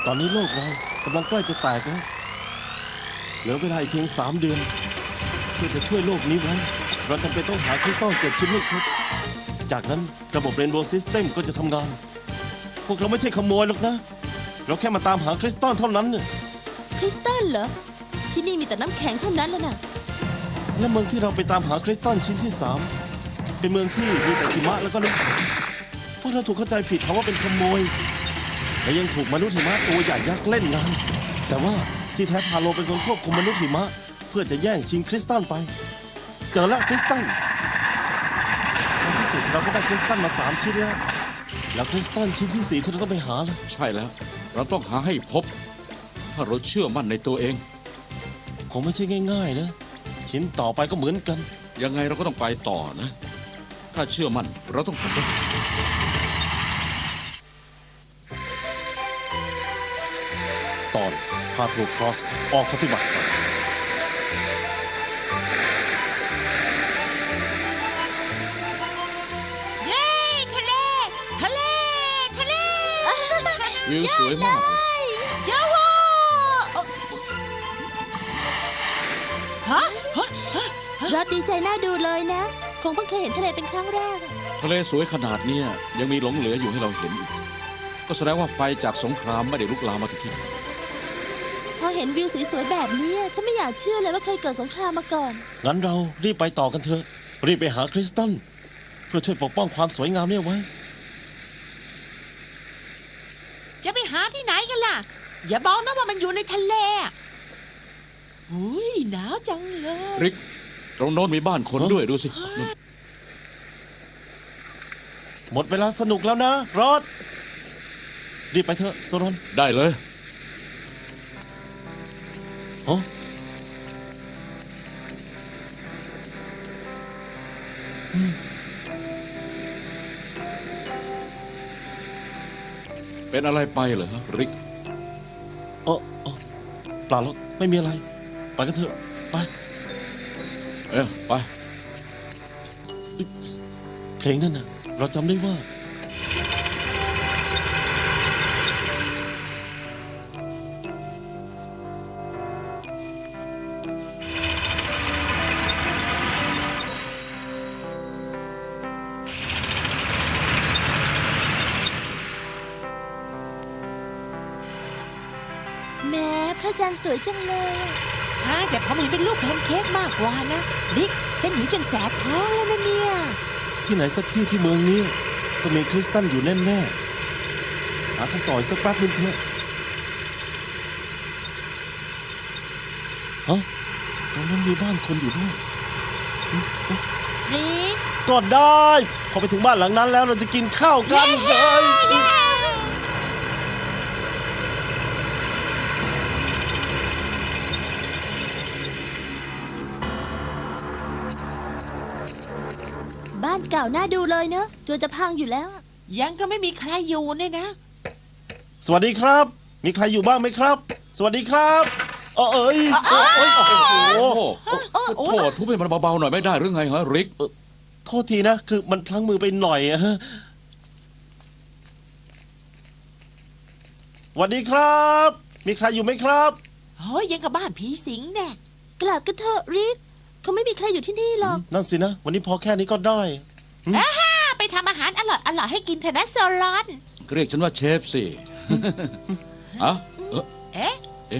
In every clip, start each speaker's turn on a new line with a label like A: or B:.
A: อนนี้โลกเรากำลังใกล้จะแตกแล้วเหลือเวลาอีกเพียง3 เดือนเพื่อจะช่วยโลกนี้ไว้เราจำเป็นต้องหาคริสตัล7 ชิ้นให้ครบจากนั้นระบบเรนโบว์ซิสเต็มก็จะทำงานพวกเราไม่ใช่ขโมยหรอกนะเราแค่มาตามหาคริสตัลเท่านั้นเนี่ย
B: คริสตัลเหรอที่นี่มีแต่น้ำแข็งเท่านั้นแล้วนะ
A: และเมืองที่เราไปตามหาคริสตัลชิ้นที่3เป็นเมืองที่มีแต่หิมะแล้วก็น้ำแข็งพวกเราถูกเข้าใจผิดเขาว่าเป็นขโมยและยังถูกมนุษย์หิมะตัวใหญ่ยักษ์เล่นงานแต่ว่าที่แท้พาโลเป็นคนควบคุมมนุษย์หิมะเพื่อจะแย่งชิงคริสตัลไปเจอแล้วคริสตัลในที่สุดเราก็ได้คริสตัลมา3 ชิ้นแล้วคริสตัลชิ้นที่4ที่เราต้องไปหาล่ะ
C: ใช่แล้ว เราต้องหาให้พบ ถ้าเราเชื่อมั่นในตัวเอง
A: คงไม่ใช่ง่ายๆนะชิ้นต่อไปก็เหมือนกัน
C: ยังไงเราก็ต้องไปต่อนะ ถ้าเชื่อมั่นเราต้องทำได้
A: ตอนพาโทรครอสออกปฏิบัติการ
D: เย้ทะเล ทะเล ทะเล
C: วิวสวยมากเลย
D: ยาวาฮะ
B: รอดดีใจน่าดูเลยนะ คงเพิ่งเคยเห็นทะเลเป็นครั้งแรกอะ
C: ทะเลสวยขนาดเนี้ยยังมีหลงเหลืออยู่ให้เราเห็นอีก ก็แสดงว่าไฟจากสงครามไม่ได้ลุกลามมาถึงที่นี่
B: พอเห็นวิวสวยๆแบบนี้ฉันไม่อยากเชื่อเลยว่าเคยเกิดสงครามมาก่อน
A: งั้นเรารีบไปต่อกันเถอะรีบไปหาคริสตัลเพื่อช่วยปกป้องความสวยงามเนี่ยไว้
D: จะไปหาที่ไหนกันล่ะ อย่าบอกนะว่ามันอยู่ในทะเลอุ้ยหนาวจังเลย
C: ริก ตรงโน้นมีบ้านคนด้วยดูสินู่น
A: หมดเวลาสนุกแล้วนะรอดรีบไปเถอะโซรอน
C: ได้เลย
A: ฮะ
C: เป็นอะไรไปเหรอริก
A: เออเปล่าหรอกไม่มีอะไรไปกันเถอะไป
C: ไป
A: เพลงนั่นน่ะเราจำได้ว่า
B: แม้พระจันทร์สวยจังเลยอะ
D: ฮะแต่ผมเห็นเป็นรูปแพนเค้กมากกว่านะลิกฉันหิวจนแสบท้องแล้วนะเนี่ย
A: ที่ไหนสักที่ที่เมืองนี้ต้องมีคริสตัลอยู่แน่ๆหาคำตอบอีกสักแป๊บนึงเถอะฮะตรงนั้นมีบ้านคนอยู่ด้วย
B: ริก
A: ก็ได้พอไปถึงบ้านหลังนั้นแล้วเราจะกินข้าวกันเลย
B: บ้านเก่าน่าดูเลยเนอะจนจะพังอยู่แล้วอะ
D: ยังก็ไม่มีใครอยู่เนี่ยนะ
A: สวัสดีครับ มีใครอยู่บ้างไหมครับ สวัสดีครับเอ้ยโอ้ยโอ้โห
C: โอ้โหทุบให้มันเบาๆหน่อยไม่ได้หรือไงฮะริก
A: โทษทีนะ คือมันพลั้งมือไปหน่อยอะฮะสวัสดีครับ มีใครอยู่ไหมครับ
D: โอ้ยยังกับบ้านผีสิงแน่
B: กลับกันเถอะริกเขาไม่มีใครอยู่ที่นี่หรอก
A: นั่นสินะ วันนี้พอแค่นี้ก็ได้
D: ไปทำอาหารอร่อยๆให้กินเถอะนะโซลอน
C: เรียกฉันว่าเชฟสิอะ
D: เอ๊ะ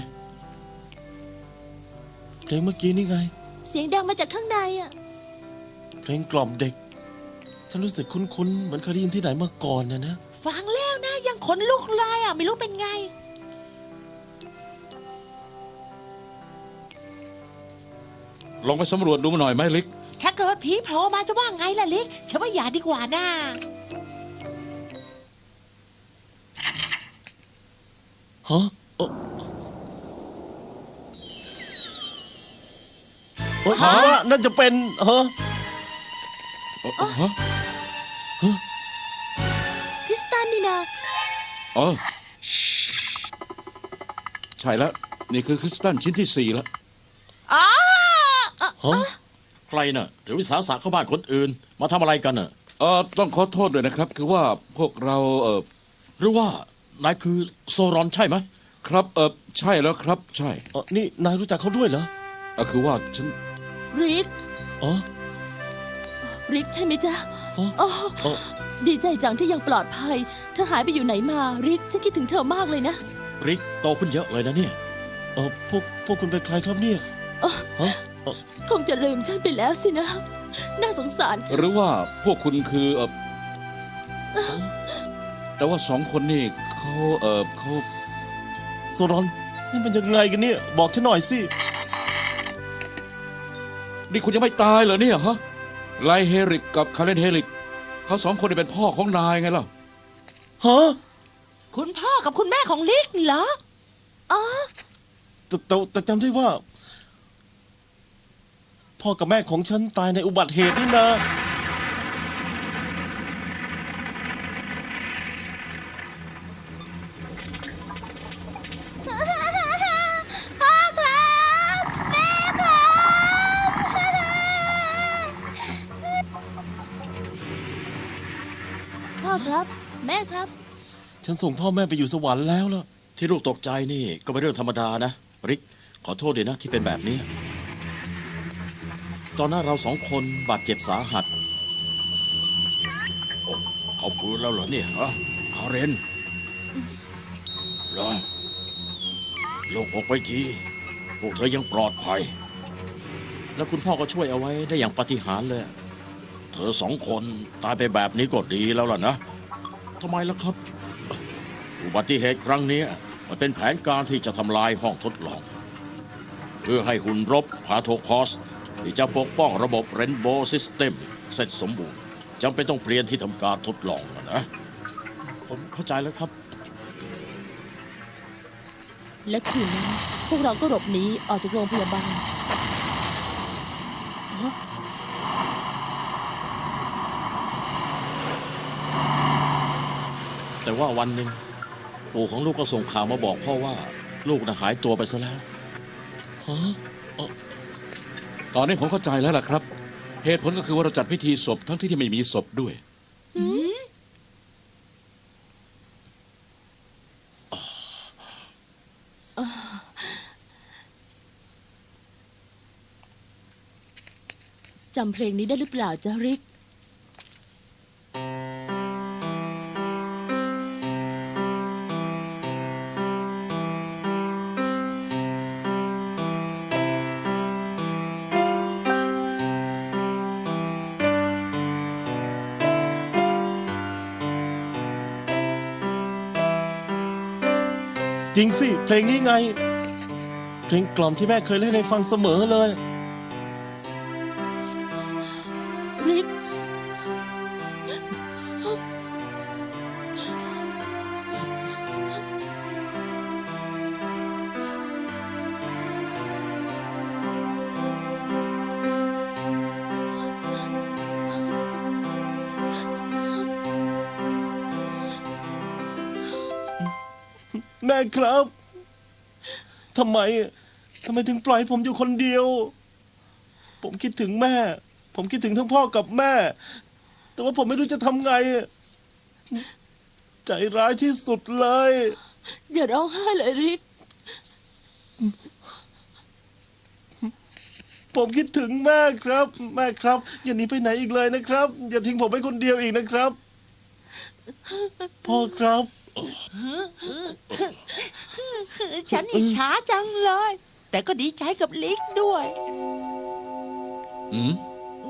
A: เพลงเมื่อกี้นี่ไง
B: เสียงดังมาจากข้างในอ่ะ
A: เพลงกล่อมเด็ก ฉันรู้สึกคุ้นๆ เหมือนเคยได้ยินที่ไหนมาก่อนนะ
D: ฟังแล้วนะยังขนลุกเลยอ่ะไม่รู้เป็นไง
C: ลองไปสำรวจดูหน่อยไหมริก
D: ถ้าเกิดผีโผล่มาจะว่าไงล่ะลิกฉันว่าอย่าดีกว่านะ
A: ฮะเฮ้ยว่าน่าจะเป็นฮะ
C: ฮะ
B: คริสตัลนี่นะ
C: อ๋อใช่แล้ว นี่คือคริสตัลชิ้นที่4แล้ว
D: อ๋อ
A: ฮะ
E: ใครน่ะถือวิสาสะเข้าบ้านคนอื่น มาทำอะไรกันน่ะ
C: ต้องขอโทษด้วยนะครับ คือว่าพวกเรา
E: หรือว่านายคือโซรอนใช่ไหม
C: ครับใช่แล้วครับ ใช่
A: นี่นายรู้จักเขาด้วยเหรอ
C: คือว่าฉัน
B: ริก
A: อ๋อ
B: ริกใช่ไหมจ๊ะ
A: อ๋อ
B: โอ้
A: อ๋อ
B: ดีใจจังที่ยังปลอดภัย เธอหายไปอยู่ไหนมาริกฉันคิดถึงเธอมากเลยนะ
E: ริกโตขึ้นเยอะเลยนะเนี่ย
A: พวกคุณเป็นใครครับเนี่ยฮะ
B: คงจะลืมฉันไปแล้วสินะ น่าสงสารจัง
C: หรือว่าพวกคุณคือแต่ว่าสองคนนี่เขา
A: โซรอนนี่มันยังไงกันเนี่ย บอกฉันหน่อยสิ
C: นี่คุณยังไม่ตายเหรอเนี่ยฮะไลเฮริกกับคาเลนเฮริกเขาสองคนนี่เป็นพ่อของนายไงล่ะ
A: ฮะ
D: คุณพ่อกับคุณแม่ของลิกเหรอ
A: แต่จำได้ว่า พ่อกับแม่ของฉันตายในอุบัติเหตุนี่นะ
B: พ่อครับ แม่ครับพ่อครับ แม่ครับ
A: ฉันส่งพ่อแม่ไปอยู่สวรรค์แล้วล่ะ
E: ที่ลูกตกใจนี่ก็เป็นเรื่องธรรมดานะ ริก ขอโทษด้วยนะที่เป็นแบบนี้ ตอนนั้นเราสองคนบาดเจ็บสาหัสโอ้เขาฟื้นแล้วเหรอเนี่ยฮะอาเรนเหรอลงอกไปทีพวกเธอยังปลอดภัย แล้วคุณพ่อก็ช่วยเอาไว้ได้อย่างปาฏิหาริย์เลย เธอสองคนตายไปแบบนี้ก็ดีแล้วล่ะนะทำไมล่ะครับ อุบัติเหตุครั้งนี้มันเป็นแผนการที่จะทำลายห้องทดลอง เพื่อให้หุ่นรบพาโทคอสที่จะปกป้องระบบเรนโบว์ซิสเต็มเสร็จสมบูรณ์จำเป็นต้องเปลี่ยนที่ทำการทดลองนะ ผมเข้าใจแล้วครับ
B: และคืนนั้นพวกเราก็หลบหนีออกจากโรงพยาบาลฮะ
E: แต่ว่าวันหนึ่งปู่ของลูกก็ส่งข่าวมาบอกพ่อว่าลูกน่ะหายตัวไปซะแล้ว
C: ตอนนี้ผมเข้าใจแล้วล่ะครับ เหตุผลก็คือว่าเราจัดพิธีศพทั้งที่ไม่มีศพด้วย
B: จำเพลงนี้ได้หรือเปล่าจ๊ะริก
A: จริงสิ เพลงนี้ไง เพลงกล่อมที่แม่เคยเล่นให้ฟังเสมอเลย
B: ริก
A: แม่ครับ ทำไมถึงปล่อยผมอยู่คนเดียว ผมคิดถึงแม่ ผมคิดถึงทั้งพ่อกับแม่ แต่ว่าผมไม่รู้จะทำไง ใจร้ายที่สุดเลย
B: อย่าร้องไห้เลยริก
A: ผมคิดถึงแม่ครับ แม่ครับ อย่าหนีไปไหนอีกเลยนะครับ อย่าทิ้งผมไว้คนเดียวอีกนะครับ พ่อครับ
D: ฉันอิจฉาจังเลย แต่ก็ดีใจกับลิกด้วย
C: อืม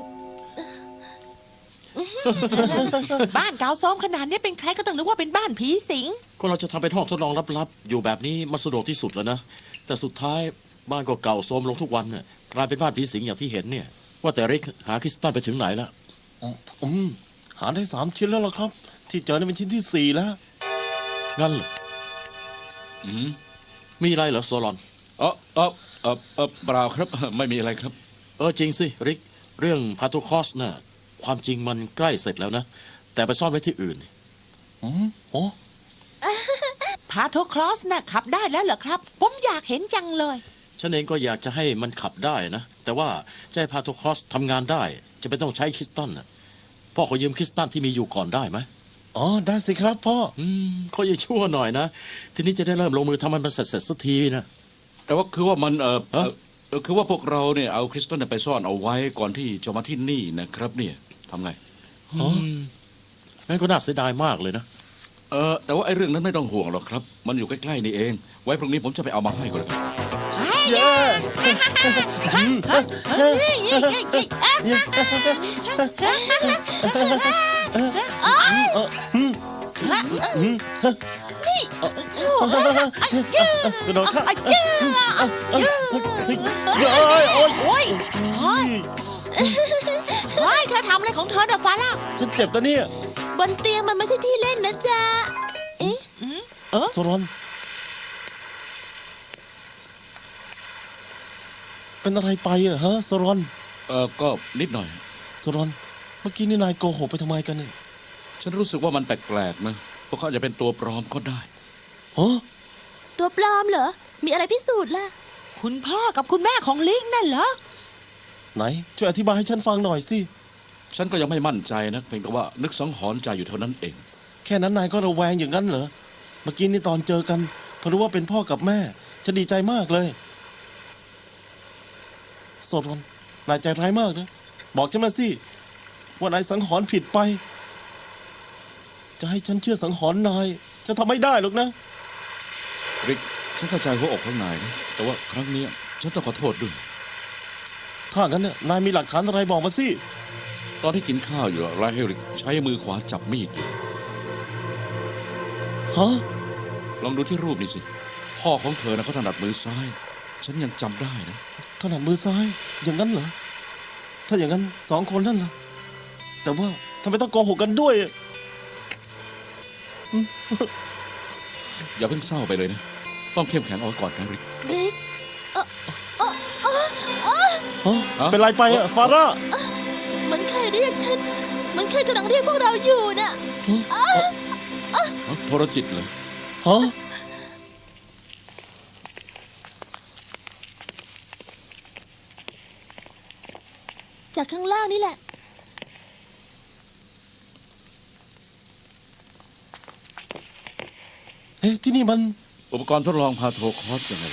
D: บ้านเก่าโทรมขนาดนี้เป็นใครก็ต้องนึกว่าเป็นบ้านผีสิง
E: ก็เราจะทำเป็นห้องทดลองลับๆ อยู่แบบนี้มันสะดวกที่สุดแล้วนะ แต่สุดท้ายบ้านก็เก่าโทรมลงทุกวันน่ะกลายเป็นบ้านผีสิงอย่างที่เห็นเนี่ย ว่าแต่ริกหาคริสตัลไปถึงไหนแล้ว
A: หาได้3 ชิ้นแล้วล่ะครับ ที่เจอนี่เป็นชิ้นที่ 4 แล้ว
E: งั้นเหรอ
C: อืม
E: มีอะไรเหรอโซลอน
C: เปล่าครับ ไม่มีอะไรครับ
E: จริงสิริก เรื่องพาโทคอสน่ะความจริงมันใกล้เสร็จแล้วนะ แต่ไปซ่อนไว้ที่อื่น
A: อ๋อ
D: พาโทคลอสน่ะขับได้แล้วเหรอครับ ผมอยากเห็นจังเลย
E: ฉันเองก็อยากจะให้มันขับได้นะ แต่ว่าจะให้พาโทคอสทำงานได้ จะเป็นต้องใช้คริสตัลน่ะพ่อขอยืมคริสตัลที่มีอยู่ก่อนได้ไหม
A: อ๋อได้สิครับพ่อ
E: เขาจะชั่วหน่อยนะ ทีนี้จะได้เริ่มลงมือทำมันเสร็จสักทีนะ
C: แต่ว่าคือว่ามัน
E: ฮะ
C: คือว่าพวกเราเนี่ยเอาคริสตัลเนี่ยไปซ่อนเอาไว้ก่อนที่จะมาที่นี่นะครับเนี่ยทำไง
E: งั้นก็น่าเสียดายมากเลยนะ
C: แต่ว่าไอ้เรื่องนั้นไม่ต้องห่วงหรอกครับ มันอยู่ใกล้ๆนี่เอง ไว้พรุ่งนี้ผมจะไปเอามาให้ก็แล้วกัน
A: เย้ กระโดดข้ามเย้ยโอ๊ย
D: โอ้ยเฮ้ยเฮ้ยเธอทำอะไรของเธอเน่ะฟาร่า
A: ฉันเจ็บนะเนี่ย
B: บนเตียงมันไม่ใช่ที่เล่นนะจ๊ะ เอ๊ะ
A: โซรอน เป็นอะไรไปอะฮะโซรอน
C: ก็นิดหน่อย
A: โซรอน เมื่อกี้นี่นายโกหกไปทำไมกันเนี่ย
C: ฉันรู้สึกว่ามันแปลกๆนะพวกเขาอาจจะเป็นตัวปลอมก็ได้
A: ฮะ
B: ตัวปลอมเหรอ มีอะไรพิสูจน์ล่ะ
D: คุณพ่อกับคุณแม่ของลิงนั่นเหรอ
A: ไหนช่วยอธิบายให้ฉันฟังหน่อยสิ
C: ฉันก็ยังไม่มั่นใจนะเพียงแต่ว่านึกสังหรณ์ใจอยู่เท่านั้นเอง
A: แค่นั้นนายก็ระแวงอย่างนั้นเหรอ เมื่อกี้นี่ตอนเจอกันพอรู้ว่าเป็นพ่อกับแม่ ฉันดีใจมากเลยโซรอน นายใจร้ายมากนะ บอกฉันมาสิ ว่านายสังหรณ์ผิดไป จะให้ฉันเชื่อสังหรณ์นาย จะทำไม่ได้หรอกนะ
C: ริก ฉันเข้าใจหัวอกข้างในนะแต่ว่าครั้งเนี้ยฉันต้องขอโทษด้วย
A: ถ้างั้นน่ะนายมีหลักฐานอะไรบอกมาสิ
C: ตอนที่กินข้าวอยู่ไรเฮริกใช้มือขวาจับมีดอยู่
A: ฮะ
C: ลองดูที่รูปนี่สิ พ่อของเธอนะเขาถนัดมือซ้าย ฉันยังจำได้นะ
A: ถนัดมือซ้าย อย่างนั้นเหรอ ถ้าอย่างนั้นสองคนนั่นล่ะ แต่ว่าทำไมต้องโกหกกันด้วยอะ
C: อย่าเพิ่งเศร้าไปเลยนะ ต้องเข้มแข็งเอาไว้ก่อนนะริก
B: ริก
A: ฮะเป็นไรไปอะฟาร่า
B: มันใครเรียกฉัน มันใครกำลังเรียกพวกเราอยู่น่ะ
C: โทรจิตเลย
A: ฮะ
B: จากข้างล่างนี่แหละ
A: เอ๊ะที่นี่มัน
C: อุปกรณ์ทดลองพาโทรคอสยังไง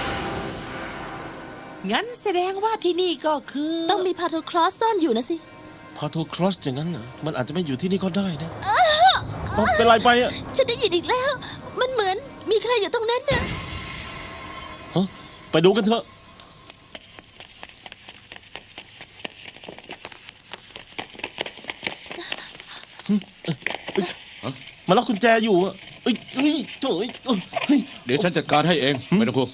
D: งั้นแสดงว่าที่นี่ก็คือ
B: ต้องมีพาโทครอสซ่อนอยู่นะสิ
A: พาโทครอสอย่างนั้นเหรอ มันอาจจะไม่อยู่ที่นี่ก็ได้นะเป็นไรไปอะ
B: ฉันได้ยินอีกแล้ว มันเหมือนมีใครอยู่ตรงนั้นน่ะ
A: ฮะไปดูกันเถอะ มาล็อกกุญแจอยู่อะเอ้ยเฮ้ยโถ่เอ้ยเฮ้ย
C: เดี๋ยวฉันจัดการให้เองไม่ต้องห่วง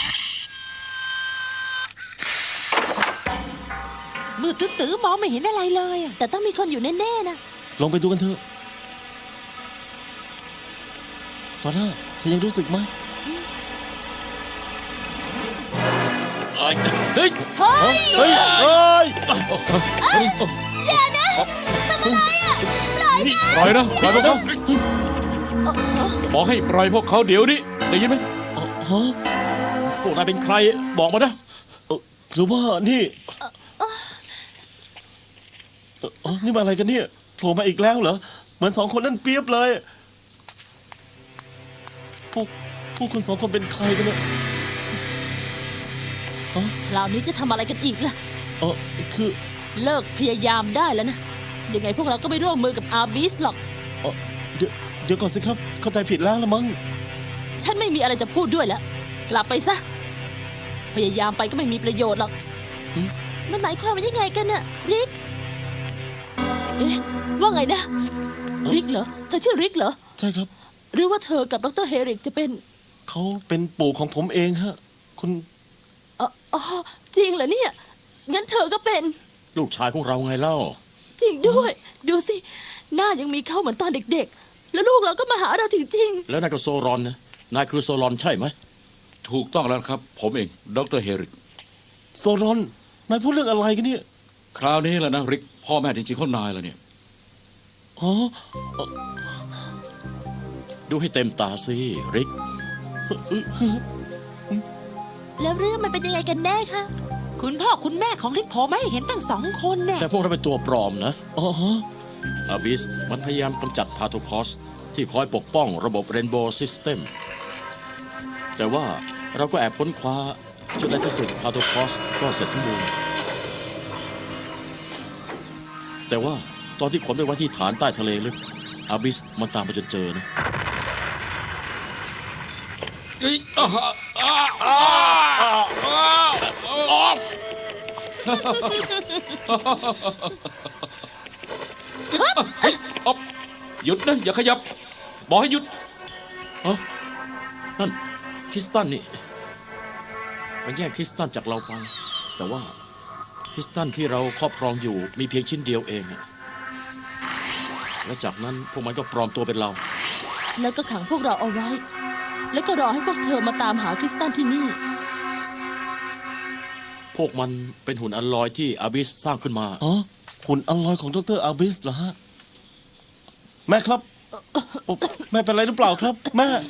D: มืดตื้อๆมองไม่เห็นอะไรเลยอะ
B: แต่ต้องมีคนอยู่แน่ๆนะ
A: ลองไปดูกันเถอะฟาร่าเธอยังรู้สึกไหม
C: เฮ้ย
B: เฮ้ย
A: เฮ้ยเฮ้ย
B: อย่านะทำอะไรอ่ะ
C: ปล่อยนะปล่อยพวกเขาบอกให้ปล่อยพวกเขาเดี๋ยวนี้ได้ยินไหม
A: ฮะ
E: พวกนายเป็นใครบอกมานะ
A: หรือว่านี่นี่มาอะไรกันเนี่ยโผล่มาอีกแล้วเหรอ เหมือนสองคนนั่นเปียบเลยพวกคุณสองคนเป็นใครกันเนี่ย
B: คราวนี้จะทำอะไรกันอีกล่ะ
A: คือ
B: เลิกพยายามได้แล้วนะ ยังไงพวกเราก็ไม่ร่วมมือกับอาร์บิสหรอก
A: เดี๋ยวก่อนสิครับ เข้าใจผิดแล้วละมั้ง
B: ฉันไม่มีอะไรจะพูดด้วยแล้ว กลับไปซะ พยายามไปก็ไม่มีประโยชน์หรอก มันหมายความว่ายังไงกันน่ะริก เอ๊ะ ว่าไงนะ ริกเหรอ เธอชื่อริกเหรอ
A: ใช่ครับ
B: หรือว่าเธอกับดรเฮริกจะเป็น
A: เขาเป็นปู่ของผมเองฮะ คุณ
B: อ๋อ จริงเหรอเนี่ย งั้นเธอก็เป็น
E: ลูกชายของเราไงเล่า
B: จริงด้วย ดูสิ หน้ายังมีเขาเหมือนตอนเด็กๆ แล้วลูกเราก็มาหาเราจริง
E: แล้วนายก็โซรอนนะนายคือโซรอนใช่ไหม
C: ถูกต้องแล้วครับ ผมเองดรเฮริก
A: โซรอน นายพูดเรื่องอะไรกันเนี่ย
C: คราวนี้แหละนะริก พ่อแม่จริงๆเขานายแล้วเนี่ย
A: อ๋อ
E: ดูให้เต็มตาสิริก
B: ๆ แล้วเรื่องมันเป็นยังไงกันแน่คะ
D: คุณพ่อคุณแม่ของลิกโผล่มาให้เห็นตั้ง2 คนเนี่ย
E: แต่พวกเราเป็นตัวปลอมนะ
A: อ๋อ
E: อาบิสมันพยายามกำจัดพาโทคอสที่คอยปกป้องระบบเรนโบว์ซิสเต็มแต่ว่าเราก็แอบค้นคว้าจนในที่สุดพาโทคอสก็เสร็จสมบูรณ์แต่ว่าตอนที่ขนไปไว้ที่ฐานใต้ทะเลลึกอาบิสมันตามมาจนเจอนะ
C: หยุดนะอย่าขยับ บอกให้หยุด
E: นั่นคริสตันนี่มันแย่งคริสตันจากเราไปแต่ว่าคริสตันที่เราครอบครองอยู่มีเพียงชิ้นเดียวเองอะและจากนั้นพวกมันก็ปลอมตัวเป็นเรา
B: แล้วก็ขังพวกเราเอาไว้ แล้วก็รอให้พวกเธอมาตามหาคริสตันที่นี่
E: พวกมันเป็นหุ่นอันลอยที่อาบิสสร้างขึ้นมา
A: อ๋อหุ่นอลลอยของดรอาบิสเหรอฮะ แม่ครับโอ้แม่เป็นไรหรือเปล่าครับ แม่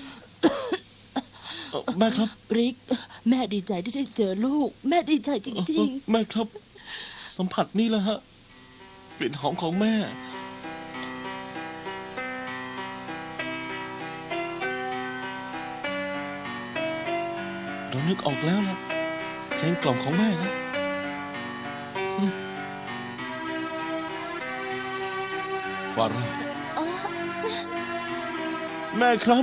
A: แม่ครับ
B: ริก แม่ดีใจที่ได้เจอลูก แม่ดีใจจริง
A: แม่ครับ สัมผัสนี่แหละฮะกลิ่นหอมของแม่ เรานึกออกแล้วนะเพลงกล่อมของแม่นะ
C: ฟาร่า
A: แม่ครับ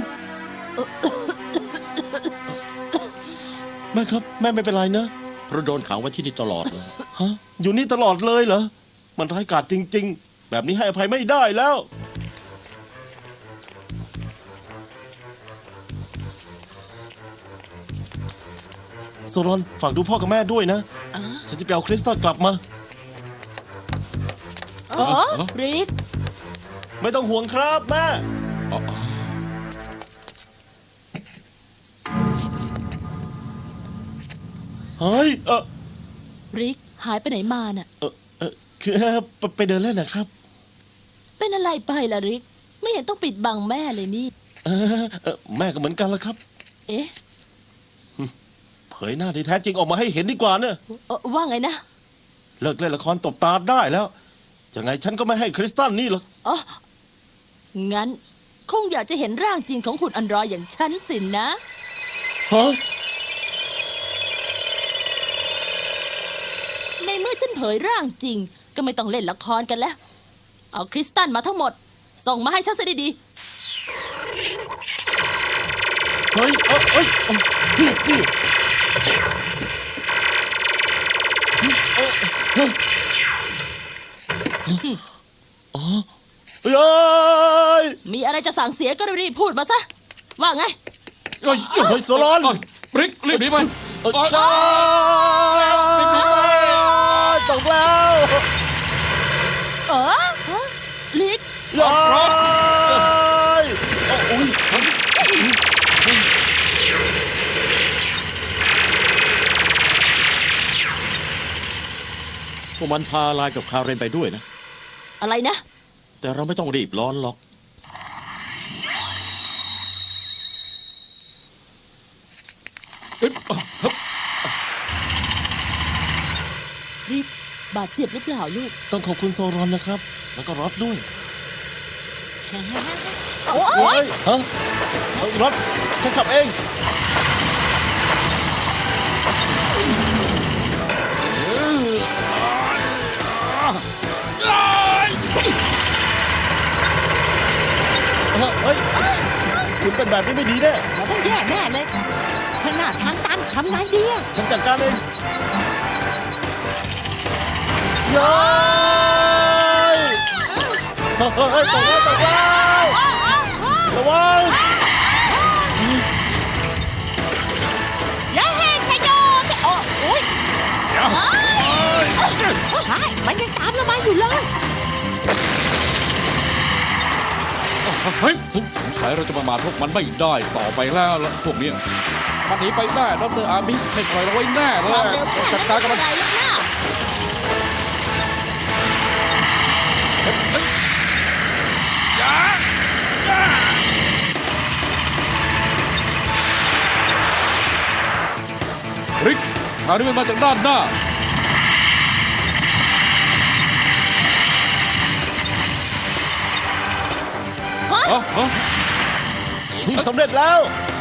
A: แม่ครับ แม่ไม่เป็นไรนะ
E: เพราะโดนขังไว้ที่นี่ตลอดเลย
A: ฮะอยู่นี่ตลอดเลยเหรอ มันร้ายกาจจริง ๆ แบบนี้ให้อภัยไม่ได้แล้ว โซรอนฝากดูพ่อกับแม่ด้วยนะ ฉันจะไปเอาคริสตัลกลับมา
B: ๆ ริก
A: ไม่ต้องห่วงครับแม่ เฮ้ย
B: ริก หายไปไหนมาน่ะ
A: คือไปเดินเล่นนะครับ
B: เป็นอะไรไปล่ะริก ไม่เห็นต้องปิดบังแม่เลยนี่
A: แม่ก็เหมือนกันละครับ
B: เอ๊ะ
A: เผยหน้าที่แท้จริงออกมาให้เห็นดีกว่าเนอะ
B: ว่าไงนะ
A: เลิกเล่นละครตบตาได้แล้ว ยังไงฉันก็ไม่ให้คริสตัลนี่หรอก
B: อ๋อ งั้น คงอยากจะเห็นร่างจริงของหุ่นอันรอยอย่างฉันสินะ
A: ฮะ
B: ในเมื่อฉันเผยร่างจริง ก็ไม่ต้องเล่นละครกันแล้ว เอาคริสตัลมาทั้งหมด ส่งมาให้ฉันซะดี
A: เฮ้ยนี่อ๋อเฮ้ย
B: ๆ มีอะไรจะสั่งเสียก็รีบๆพูดมาซะ ว่าไง
A: เฮ้ยโซลอน
C: ริกรีบหนีไป
A: ตกแล้ว
B: ฮะ ลิก
A: ย้ายโอ้ย
E: พวกมันพาลายกับคาเรนไปด้วยนะ
B: อะไรนะ
E: แต่เราไม่ต้องรีบร้อนหรอก
B: ริก บาดเจ็บหรือเปล่าลูก
A: ต้องขอบคุณโซรอนนะครับ แล้วก็รอดด้วย
D: โอ้
A: เฮ้ยฮะรถฉันขับเอง เฮ้ย คุณเป็นแบบนี้ไม่ดีแน่
D: เราต้องแย่แน่เลยข้างหน้าทางตันทำไงดีอะ
A: ฉันจัดการเองย้ายเฮ้ยตกแล้วระวัง
D: เย้ชัยโยจะโอ้ยใช่มันยังตามเรามาอยู่เลย
C: เฮ้ยสงสัยเราจะประมาทพวกมันไม่ได้ต่อไปแล้วละพวกเนี้ยมันหนีไปแน่ดรอาบิสไม่ปล่อยเราไว้แน่เลย
B: ความเร็วแค่
C: จัด
B: นั้น
C: การกับ
B: ไม่
C: มัน
B: เป็นไรหรอกนะ
C: ริกคราวนี้มันมาจากด้านหน้า
A: นี่สำเร็จแล้ว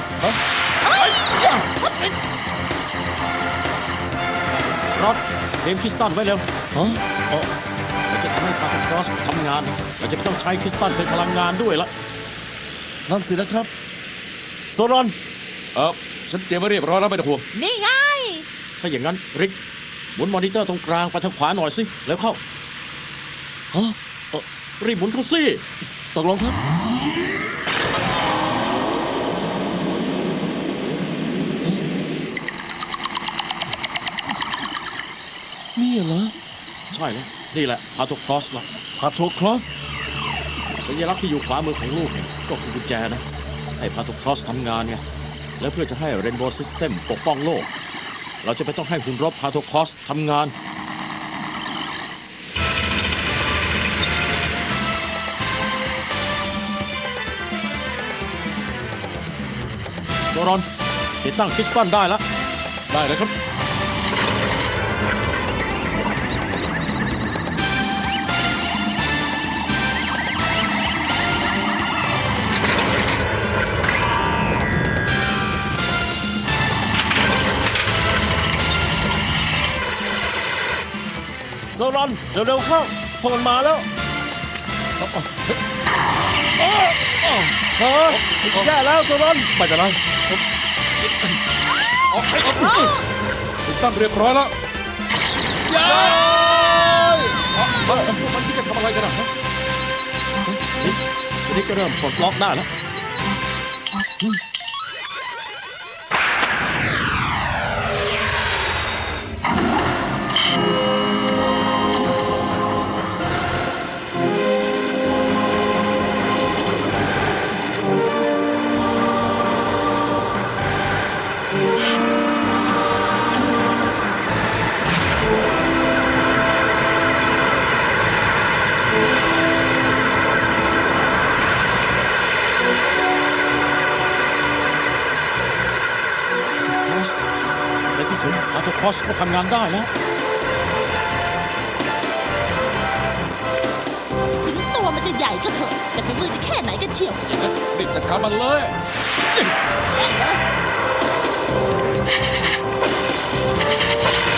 E: รถเตรียมคริสตัลไว้เร็ว
A: ฮะอ๋อ
E: เราจะทำให้พาราครอสทำงาน เราจะไม่ต้องใช้คริสตัลเป็นพลังงานด้วยละ
A: นั่นสินะครับ โซรอน
C: ฉันเตรียมไว้เรียบร้อยแล้วไม่ต้องห่วง
D: นี่ไง
E: ถ้าอย่างนั้นริกหมุนมอนิเตอร์ตรงกลางไปทางขวาหน่อยสิแล้วเข้า
A: ฮะ
E: รีบหมุนเข้าสิ
A: ตกลงครับ นี่เหรอ
E: ใช่แล้วนี่แหละพาโทครอสละ
A: พาโทครอส
E: สัญลักษณ์ที่อยู่ขวามือของลูกเนี่ยก็คือกุญแจนะ ให้พาโทครอสทำงานไงแล้วเพื่อจะให้เรนโบว์ซิสเต็มปกป้องโลก เราจะไม่ต้องให้หุ่นรบพาโทครอสทำงาน โซรอนติดตั้งคริสตัลได้แล้ว
C: ได้เลยครับ
A: โซรอน เร็วๆเข้าพวกมันมาแล้วฮะแย่แล้วโซรอน
C: ไม่เป็นไรติดตั้งเรียบร้อยแล้วพวกมันที่จะทำอะไรกันนะ
E: ทีนี้ก็เริ่มปลดล็อกได้แล้ว ในที่สุดพาโทครอสก็ทำงานได้แล้ว
B: ถึงตัวมันจะใหญ่ก็เถอะ แต่ฝีมือจะแค่ไหนกันเชียว
C: อย่างนั้นรีบจัดการมันเลย
B: เ